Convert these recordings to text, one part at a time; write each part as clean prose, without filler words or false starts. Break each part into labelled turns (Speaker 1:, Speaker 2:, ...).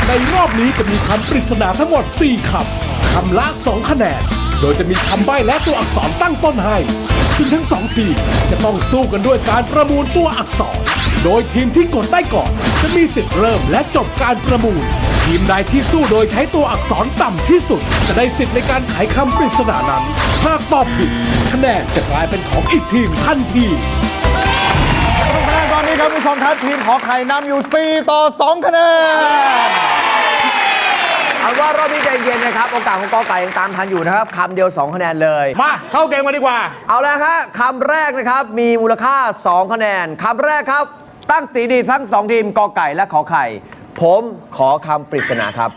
Speaker 1: ในรอบนี้จะมีคำปริศนาทั้งหมด 4 คำ คำละ 2 คะแนน โดยจะมีคำใบ้และตัวอักษรตั้งต้นให้ ซึ่งทั้ง 2 ทีมจะต้องสู้กันด้วยการประมูลตัวอักษร โดยทีมที่กดได้ก่อนจะมีสิทธิ์เริ่มและจบการประมูล ทีมใดที่สู้โดยใช้ตัวอักษรต่ำที่สุด จะได้สิทธิ์ในการไขคำปริศนานั้น หากตอบผิดคะแนนจะกลายเป็นของอีกทีมทันที
Speaker 2: คะแนนตอนนี้ครับผู้ชมครับทีมขอไข่นำอยู่ 4 ต่อ 2 คะแนน
Speaker 3: เอาว่ารอบนี้ใจเย็นนะครับ โอกาสของกอไก่ยังตามทันอยู่นะครับคำเดียว 2 คะแนนเลย
Speaker 2: มาเข้าเกมกันดีกว่า
Speaker 3: เอาแล้วฮะคำแรกนะครับมีมูลค่า 2 คะแนนคำแรกครับ ตั้งสีดีทั้ง 2 ทีมกอไก่และขอไข่ ผมขอคำปริศนาครับ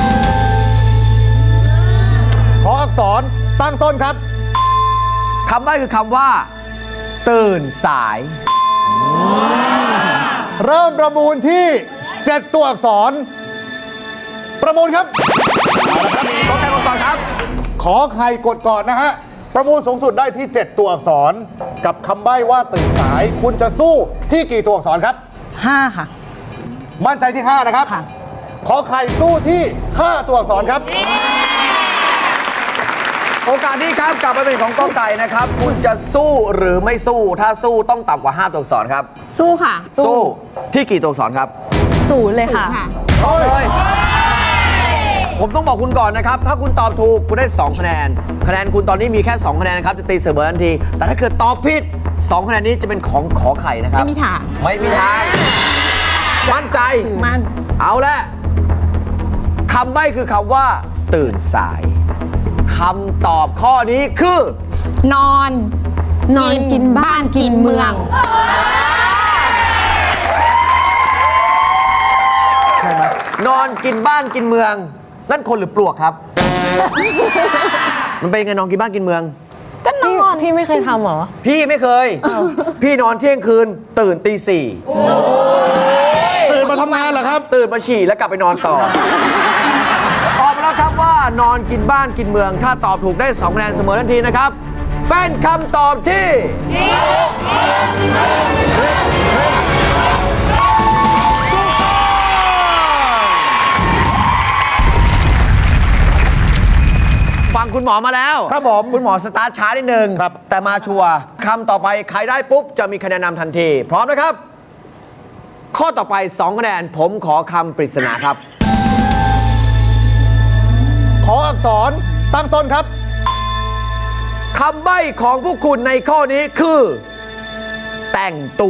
Speaker 2: ขออักษรตั้งต้นครับ
Speaker 3: คำใบ้คือคำว่า ตื่นสาย
Speaker 2: เริ่มประมูลที่ 7 ตัวอักษร ประมูลครับ
Speaker 3: กอไก่ก่อนครับ
Speaker 2: ขอไข่กดก่อนนะฮะ ประมูลสูงสุดได้ที่ 7 ตัวอักษร กับคำใบ้ว่าตื่นสาย คุณจะสู้ที่กี่ตัวอักษรครับ
Speaker 4: 5 ค่ะ
Speaker 2: มั่นใจที่ 5 นะครับ
Speaker 4: ค่ะ
Speaker 2: ขอไข่สู้ที่ 5 ตัวอักษรครับ
Speaker 3: โอกาสนี้ครับกลับมาเป็นของกอไก่นะครับ คุณจะสู้หรือไม่สู้ ถ้าสู้ต้องต่ำกว่า 5 ตัวอักษรครับ
Speaker 4: สู้ค่ะ
Speaker 3: สู้ที่กี่ตัวอักษรครับ
Speaker 4: 0เลยค่ะ
Speaker 3: ตอบเลย ผมต้องบอกคุณก่อนนะครับ ถ้าคุณตอบถูกคุณได้ 2 คะแนน คะแนนคุณตอนนี้มีแค่ 2 คะแนนนะครับ จะตีเสมอทันที แต่ถ้าเกิดตอบผิด 2 คะแนนนี้จะเป็นของขอไข่นะครับ
Speaker 4: ไม่มีทาง
Speaker 3: ไม่มีทาง มั่นใจ
Speaker 4: มัน
Speaker 3: เอาละคำใบ้คือคำว่า ตื่นสาย คำตอบข้อนี้คือ
Speaker 4: นอนกินบ้านกินเมือง
Speaker 3: ใช่ไหมนอนกินบ้านกินเมือง นั่นคนหรือปลวกครับ มันเป็นยังไงนอนกินบ้านกินเมือง
Speaker 4: ก็นอน พี่ไม่เคยทำเหรอ
Speaker 3: พี่ไม่เคย พี่นอนเที่ยงคืน ตื่นตี 4
Speaker 2: ตื่นมาทำงานเหรอครับ
Speaker 3: ตื่นมาฉี่แล้วกลับไปนอนต่อ ตอบมาแล้วครับว่านอนกินบ้านกินเมือง ถ้าตอบถูกได้2 คะแนนเสมอทันทีนะครับ เป็นคำตอบที่ฟังคุณหมอมาแล้ว
Speaker 2: ครับผม
Speaker 3: คุณหมอสตาร์ทช้านิดนึง
Speaker 2: ครับ
Speaker 3: แต่มาชัวร์คำต่อไปใครได้ปุ๊บ จะมีคะแนนนำทันที พร้อมนะครับ ข้อต่อไป 2 คะแนน ผมขอคำปริศนาครับ
Speaker 2: ขออักษรตั้งต้นครับ
Speaker 3: คำใบ้ของพวกคุณในข้อนี้คือ แต่งตัว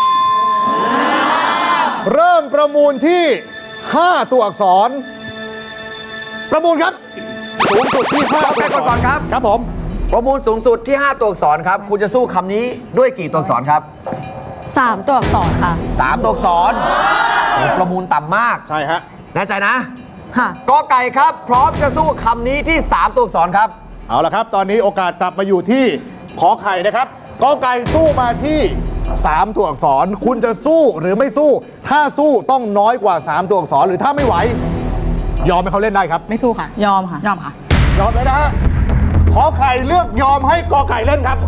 Speaker 2: เริ่มประมูลที่ 5 ตัวอักษร ประมูลครับ สูงสุดที่5
Speaker 3: เอาไปก่อนครับ
Speaker 2: ครับผม
Speaker 3: ประมูลสูงสุดที่ 5 ตัวอักษรครับ คุณจะสู้คำนี้ด้วยกี่ตัวอักษรครับ
Speaker 4: 3 ตัวอักษรค่ะ
Speaker 3: 3 ตัวอักษรโอ้ประมูลต่ำมาก
Speaker 2: ใช่ฮะ
Speaker 3: แน่ใจนะ
Speaker 4: ค่ะ
Speaker 3: กอไก่ครับ พร้อมจะสู้คำนี้ที่ 3 ตัวอักษรครับ
Speaker 2: เอาละครับ ตอนนี้โอกาสกลับมาอยู่ที่ขอไข่นะครับกอไก่สู้มาที่ 3 ตัวอักษร คุณจะสู้หรือไม่สู้ ถ้าสู้ต้องน้อยกว่า 3 ตัวอักษร หรือถ้าไม่ไหว ยอมให้เขาเล่นได้ครับ
Speaker 4: ไม่สู้ค่ะ ยอมค่ะ ยอมค่ะ
Speaker 2: ยอมเลยนะฮะ ขอไข่เลือกยอมให้กอไก่เล่นครับ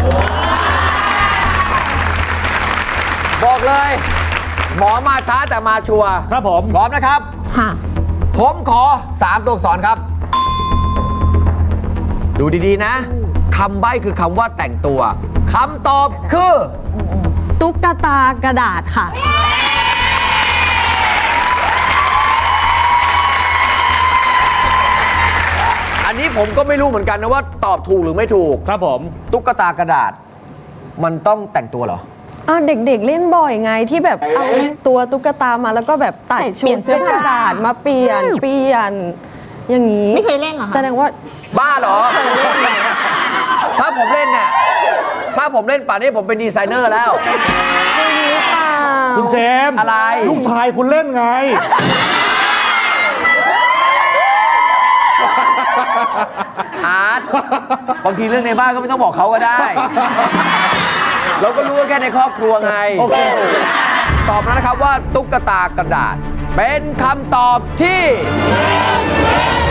Speaker 3: บอกเลย หมอมาช้าแต่มาชัวร์
Speaker 2: ครับผม
Speaker 3: พร้อมนะครับ
Speaker 4: ค่ะ
Speaker 3: ผมขอ 3 ตัวอักษรครับ ดูดีๆนะคำใบ้คือคำว่าแต่งตัวคำตอบคือ
Speaker 4: ตุ๊กตากระดาษค่ะ
Speaker 3: อันนี้ผมก็ไม่รู้เหมือนกันนะว่าตอบถูกหรือไม่ถูก
Speaker 2: ครับผม
Speaker 3: ตุ๊กตากระดาษ มันต้องแต่งตัวเหรอ
Speaker 4: อ้าวเด็กๆเล่นบ่อยไงที่แบบเอาตัวตุ๊กตามาแล้วก็แบบตัดชุดเป็นกระดาษมาเปลี่ยนอย่างนี้
Speaker 5: ไม่เคยเล่นเหรอคะ
Speaker 4: แสดงว่า
Speaker 3: บ้าเหรอ ถ้าผมเล่นเนี่ย ถ้าผมเล่นป่านนี้ผมเป็นดีไซเนอร์แล้ว
Speaker 4: หรือเปล่า
Speaker 2: คุณเจมส์
Speaker 3: อะไร
Speaker 2: ลูกชายคุณเล่นไง
Speaker 3: อาร์ตบางทีเรื่องในบ้านก็ไม่ต้องบอกเขาก็ได้ เราก็รู้ว่าแค่ในครอบครัวไง
Speaker 2: โอเค
Speaker 3: ตอบมาแล้วนะครับว่าตุ๊กตากระดาษ เป็นคำตอบที่